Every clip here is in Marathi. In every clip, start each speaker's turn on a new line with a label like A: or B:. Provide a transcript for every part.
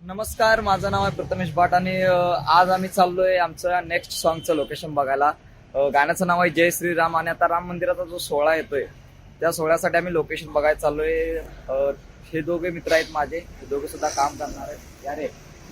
A: नमस्कार, माझं नाव आहे प्रथमेश भाट आणि आज आम्ही चाललोय आमचं नेक्स्ट सॉन्गचं लोकेशन बघायला. गाण्याचं नाव आहे जय श्रीराम आणि आता राम मंदिराचा जो सोहळा येतोय त्या सोहळ्यासाठी आम्ही लोकेशन बघायला चाललोय. हे दोघे मित्र आहेत माझे, हे दोघे सुद्धा काम करणार आहेत. यारे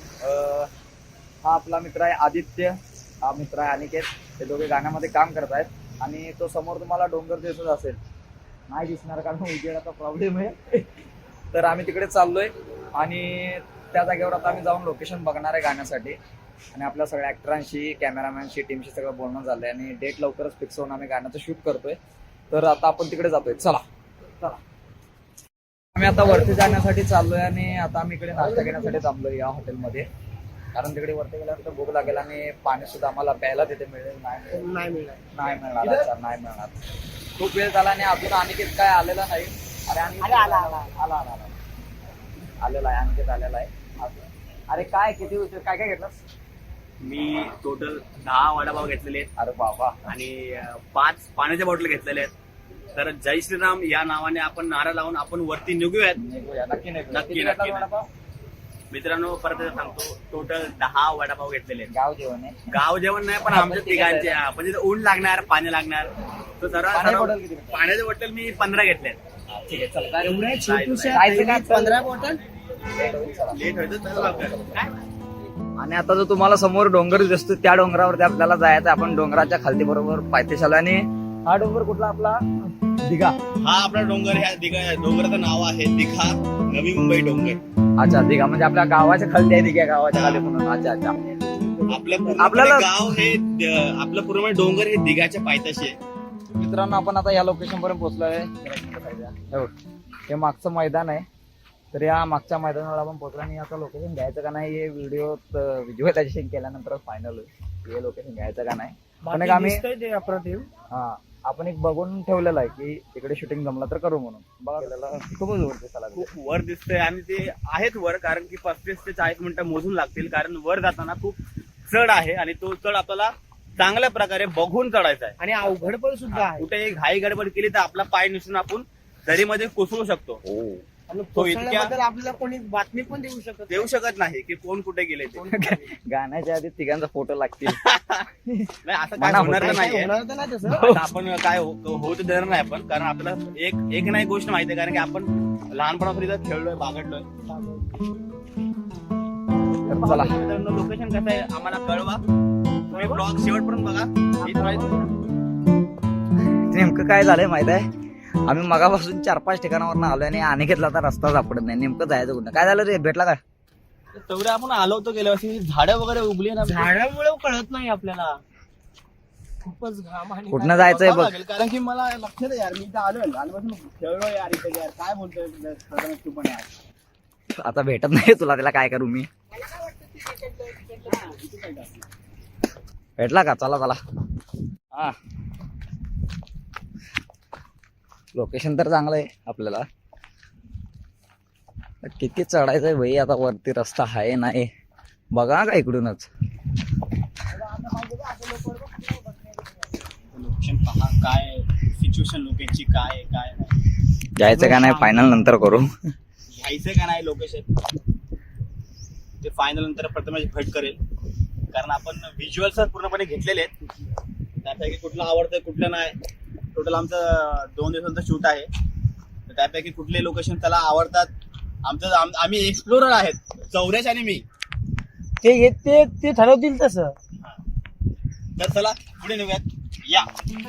A: हा आपला मित्र आहे आदित्य, हा मित्र आहे अनिकेत. हे दोघे गाण्यामध्ये काम करत आहेत आणि तो समोर तुम्हाला डोंगर दिसत असेल, नाही दिसणार कारण उजेडाचा प्रॉब्लेम आहे. तर आम्ही तिकडे चाललोय आणि त्या जागेवर आता आम्ही जाऊन लोकेशन बघणार आहे गाण्यासाठी. आणि आपल्या सगळ्या ऍक्टरांशी, कॅमेरामॅनशी, टीमशी सगळं बोलणं झालंय आणि डेट लवकरच फिक्स होऊन आम्ही गाण्याचं शूट करतोय. तर आता आपण तिकडे जातोय. चला चला, आम्ही आता वरती जाण्यासाठी चाललोय आणि आता आम्ही इकडे नाश्ता घेण्यासाठी थांबलोय या हॉटेलमध्ये. कारण तिकडे वरती गेल्यानंतर भूक लागेल आणि पाणी सुद्धा आम्हाला प्यायला तिथे मिळेल. नाही मिळणार. खूप वेळ झाला आणि अजून अनिकेत काय आलेला नाही. अरे आलेला आहे अनिकेत, आलेला आहे. अरे काय किती उशीर, काय काय घेतलंस?
B: मी टोटल 10 वडापाव घेतलेले आहेत.
A: अरे बाबा.
B: आणि 5 पाण्याच्या बॉटल घेतलेल्या आहेत. तर जय श्रीराम या नावाने आपण नारा लावून आपण वरती निघूयात. नक्की. मित्रांनो, परत सांगतो, टोटल 10 वडापाव घेतलेले आहेत. गाव जेवण नाही, पण आमच्या तिघांचे म्हणजे ऊन लागणार, पाणी लागणार. तर सर्व पाण्याचे बॉटल मी 15 घेतले आहेत.
A: ठीक आहे, चला.
B: एवढे
A: छोटूशे 15 बॉटल
B: लेट व्हायचं.
A: आणि आता जो तुम्हाला समोर डोंगर दिसतो त्या डोंगरावरती आपल्याला जायचं. आपण डोंगराच्या खालती बरोबर पायथ्याशी आलो. आणि हा डोंगर कुठला आपला? दिघा.
B: हा आपला डोंगर, ह्या दिघा डोंगराचं नाव आहे दिघा, नवी मुंबई डोंगर.
A: अच्छा, दिघा म्हणजे आपल्या गावाच्या खालती आहे. दिघा गावाच्या खाली म्हणून. अच्छा.
B: आपल्याला गाव हे आपलं पूर्ण डोंगर हे दिघाच्या पायथ्याशी आहे.
A: मित्रांनो, आपण आता या लोकेशन पर्यंत पोहोचलोय. हे मागचं मैदान आहे. तर या मागच्या मैदानावर आपण पोहोचलो आणि आता लोकेशन घ्यायचं का नाही हे व्हिज्युअलायझेशन केल्यानंतरच फायनल होईल. हे लोकेशन घ्यायचं का नाही. पण एक आम्ही आपण एक बघून ठेवलेलं आहे की इकडे शूटिंग जमलं तर करू म्हणून. बघा खूपच वर दिसायला लागलं.
B: खूप वर दिसतंय आणि ते आहेत वर, कारण की 35 ते 40 मिनिटं मोजून लागतील. कारण वर जाताना खूप चढ आहे आणि तो चढ आपल्याला चांगल्या प्रकारे बघून चढायचा आहे.
C: आणि अवघड पण सुद्धा आहे.
B: कुठे घाई गडबड केली तर आपला पाय निसून आपण दरीमध्ये कोसळू शकतो.
C: आणि
B: तो इतक्या
C: कोसळल्याबद्दल आपल्याला कोणी बातमी पण देऊ शकत
B: नाही की कोण कुठे गेले ते.
A: गाण्याच्या आधी तिघांचा फोटो लागतील.
B: नाही, असं काय होणार तर नाहीये.
C: होणार तर नाही तसं.
B: आता आपण काय होत देणार नाही आपण, कारण आपल्याला एक नाही गोष्ट माहिती आहे, कारण की आपण लहानपणापर्यंत खेळलोय, बागडलोय.
A: चला,
B: लोकेशन कसं आहे आम्हाला कळवा. तुम्ही ब्लॉग शेवटपर्यंत बघा.
A: नेमकं काय झालंय माहित आहे, आम्ही मगापासून 4-5 ठिकाणावर आलोय आणि अनेकेतला आता रस्ता सापडत नाही. नेमकं जायचं कुठं? काय झालं रे, भेटला का?
B: तेवढे आपण आलो होतो गेल्या वर्षी, झाडं वगैरे उगली ना,
C: झाडामुळे कळत नाही आपल्याला. खूपच घाम आणि
A: कुठनं जायचंय बघ.
B: कारण की मला लक्षात आहे यार, मी इथं आलोय लहानपासून खेळलोय यार इथे. यार काय बोलतोय तू पण यार.
A: आता भेटत नाही तुला, त्याला काय करू मी. भेटला का? चला. हा, लोकेशन तर चांगलं आहे आपल्याला. किती चढायचंय भाई आता वरती, रस्ता आहे नाही बघा का इकडूनच.
B: लोकेशन पहा, काय सिच्युएशन लोकेशनची काय नाही.
A: जायचं का नाही फायनल नंतर करू.
B: घ्यायचं का नाही लोकेशन ते फायनल नंतर प्रथमेश भट करेल, कारण आपण व्हिज्युअल्स पूर्णपणे घेतलेले आहेत. त्यापैकी कुठलं आवडतं कुठलं नाही. टोटल आमचं 2 दिवसांचं शूट आहे. तर त्यापैकी कुठले लोकेशन त्याला आवडतात. आम्ही एक्सप्लोरर आहेत, चौरेश आणि मी.
C: ते ठरवतील तसं.
B: तर चला पुढे निघूयात. या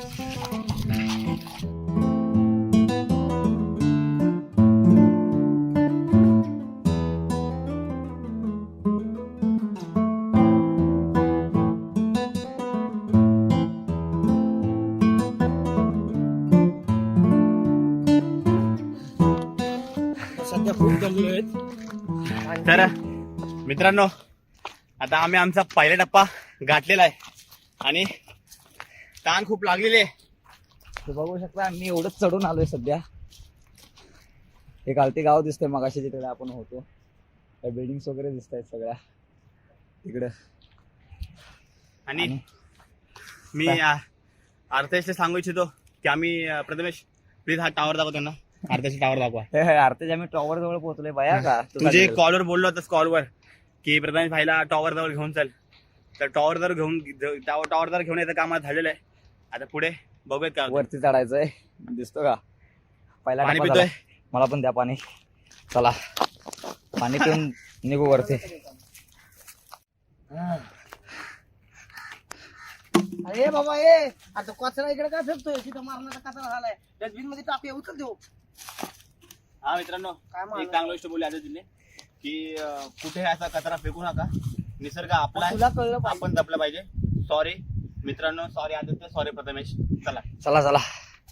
C: सध्या खूप जमले आहेत.
B: तर मित्रांनो, आता आम्ही आमचा पहिला टप्पा गाठलेला आहे आणि ताण खूप लागलेले आहे.
A: ते बघू शकता मी एवढंच चढून आलोय सध्या. हे खालती गाव दिसतंय मगाशी तिकडे आपण होतो. बिल्डिंग्स वगैरे दिसत आहेत सगळ्या तिकडे.
B: आणि मी अर्थेश सांगू इच्छितो की आम्ही प्रथमेश प्लीज हा टावर दाखव त्यांना. आरत्याचा टावर दाखवा.
A: आरतेच आम्ही टॉवर जवळ पोहोचलोय बाया का.
B: तुझे कॉलवर बोललो होतास, कॉलवर की प्रथमेश भाईला टॉवर जवळ घेऊन चल, तर टॉवर जवळ घेऊन याचं काम आज झालेलं आहे. आता पुढे बघूयात काय होतं.
A: वरती चढायचंय, दिसतो का पहिला
B: पाणी
A: टप्पा
B: पितोय.
A: झाला. मला पण द्या पाणी. चला पाणी पिऊन निघू वरती.
D: अरे बाबा ए आता कचरा इकडे काय फेकतोय? तिथं मारण्याचा कचरा झालाय, डस्टबिन मध्ये टाकूया, उचल देऊ.
B: हा मित्रांनो,
D: काय म्हणा?
B: एक चांगली गोष्ट बोलली आता तिने की कुठे असा कचरा फेकू नका, निसर्ग आपला आहे,
D: तुला कळलं पाहिजे.
B: आपण जपलं पाहिजे. सॉरी मित्रांनो, सॉरी आदित्य, सॉरी प्रथमेश. चला
A: चला चला.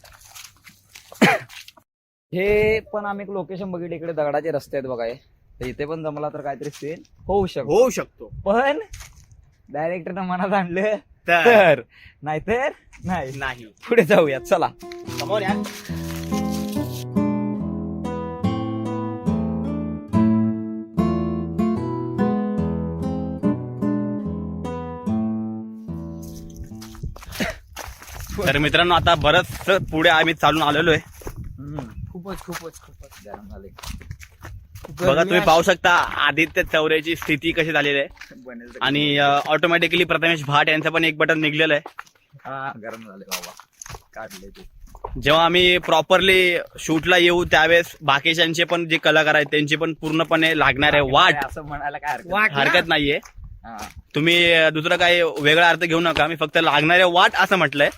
A: हे पण आम्ही एक लोकेशन बघितलं, इकडे दगडाचे रस्ते आहेत बघा हे. तर इथे पण जमला तर काहीतरी सीन होऊ
B: शकतो.
A: पण डायरेक्टरनं मनात आणलं
B: तर
A: तर नाहीतर नाही.
B: नाही,
A: पुढे जाऊयात चला.
B: समोर या. तर मित्रांनो, आता बरंच पुढे आम्ही चालून आलेलो आहे.
D: खूपच
A: गरम झाले.
B: बघा तुम्ही पाहू शकता आदित्य चौऱ्याची स्थिती कशी झालेली आहे.
A: बनेल तर-
B: आणि ऑटोमॅटिकली प्रथमेश भाट यांचं पण एक बटन निघलेलं आहे.
A: हा गरम झाले बाबा, काढले ते.
B: जेव्हा आम्ही प्रॉपरली शूटला येऊ त्यावेळेस बाकीच्यांचे पण जे कलाकार आहेत त्यांची पण पूर्णपणे लागणार आहे वाट.
A: असं म्हणायला काय
D: वाट.
B: हरकत नाहीये.
A: हा.
B: तुम्ही दुसरं काही वेगळा अर्थ घेऊ नका. मी फक्त लागणारे वाट असं म्हटलंय.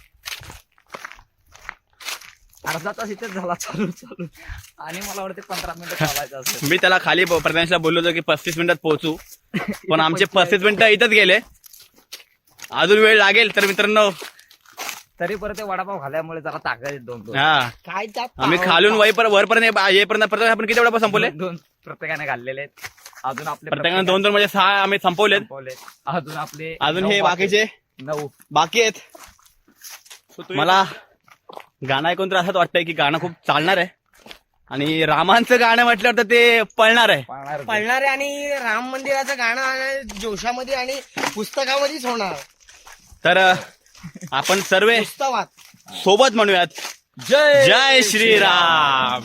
A: अर्धा तास इथेच झाला चालू आणि मला वाटते 15 मिनिटं चालायचं असेल.
B: मी त्याला खाली प्रथमेशला बोललो होतो की 35 मिनिटात पोहोचू, पण आमचे 35 मिनिटं इथंच गेले. अजून वेळ लागेल. तर मित्रांनो,
A: तरी परत ते वडापाव खाल्यामुळे जरा ताकद येत दोन
B: हा
D: काय त्यात
B: आम्ही खालून वरपर्यंत येईपर्यंत प्रथमेश आपण किती वडापाव संपवले?
A: दोन प्रत्येकाने घातलेले आहेत. अजून आपले
B: प्रत्येकाने 2 म्हणजे 6 आम्ही संपवलेत.
A: संपवले. अजून आपले
B: अजून
A: 9
B: हे बाकीचे
A: 9.
B: बाकी आहेत. मला गाणं ऐकून तर असंच वाटतंय की गाणं खूप चालणार आहे. आणि रामांचं गाणं म्हटल्यावर तर ते पळणार आहे.
D: पळणारे आणि राम मंदिराचं गाणं जोशामध्ये आणि पुस्तकामध्येच होणार.
B: तर आपण सर्व
D: पुस्तकात
B: सोबत म्हणूयात, जय श्रीराम.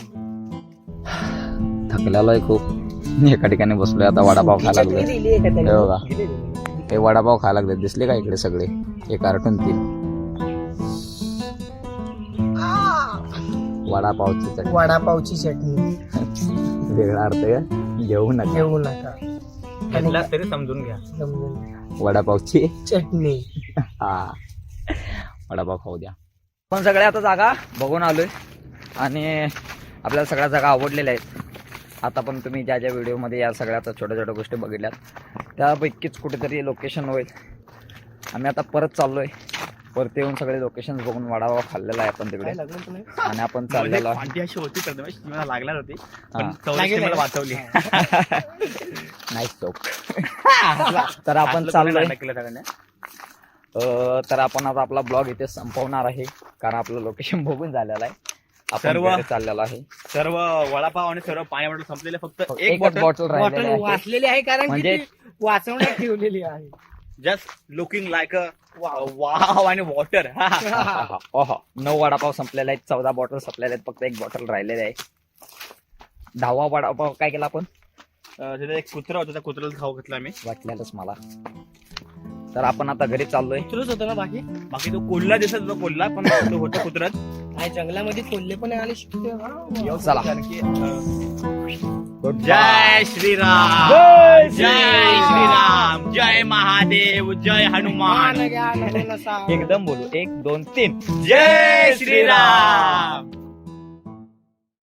A: थकलेलो आहे खूप. एका ठिकाणी बसलोय आता, वडापाव खायला लागलोय. हे बघा, हे वडापाव खायला लागले. दिसले का इकडे सगळे? एक कार्टून 3 वडापावची चटणी.
D: वडापावची चटणी
A: वेगळा अर्थ का घेऊ नका.
D: घेऊ नका.
B: घेतला तरी समजून घ्या.
A: वडापावची
D: चटणी.
A: हा, वडापाव खाऊ द्या. पण सगळ्या आता जागा बघून आलोय आणि आपल्याला सगळ्या जागा आवडलेल्या आहेत. आता पण तुम्ही ज्या ज्या व्हिडिओमध्ये या सगळ्या आता छोट्या छोट्या गोष्टी बघितल्यात त्यापैकीच कुठेतरी लोकेशन होईल. आम्ही आता परत चाललोय. वरती येऊन सगळे लोकेशन बघून वडापाव खाल्लेला आहे आपण तिकडे. आणि आपण चाललेलो आहे.
B: क्वांटी अशी होती प्रथमेश, ती मला लागणार होती, पण
A: हा.
B: चौरसने मला वाचवली.
A: नाईस चौक. तर आपण चाललोय. तर आपण आता आपला ब्लॉग इथे संपवणार आहे, कारण आपलं लोकेशन बघून झालेलं आहे. आपण
B: सर्व-
A: घरी चाललेलो आहे.
B: सर्व वडापाव आणि सर्व पाणी बॉटल संपलेले, फक्त एक
A: एक
B: बॉटल
A: बॉटल राहिलेली
D: बॉटल
A: आहे.
D: वाचलेली आहे कारण की
A: म्हणजे-
D: ती वाचवण्यात ठेवलेली आहे.
B: Just looking like a wow आणि वॉटर.
A: ओहो, 9 वडापाव संपलेले आहेत, 14 बॉटल संपलेले आहेत, फक्त एक बॉटल राहिलेली आहे. 10वा वडापाव काय केला आपण?
B: तिथे एक कुत्रा होता, त्या कुत्र्याला खाऊ घातला आम्ही.
A: वाटलेलंच मला. तर आपण आता घरी चाललोय.
D: कुत्रच होतं ना बाकी?
B: बाकी तो कोल्हा दिसत होता, कोल्हा पण तो होता कुत्रात.
D: काय जंगलामध्ये कोल्हे पण आले शिकते.
A: चला.
B: जय श्रीराम, जय श्रीराम, जय महादेव, जय हनुमान.
A: एकदम बोलू, 1 2 3.
B: जय श्रीराम.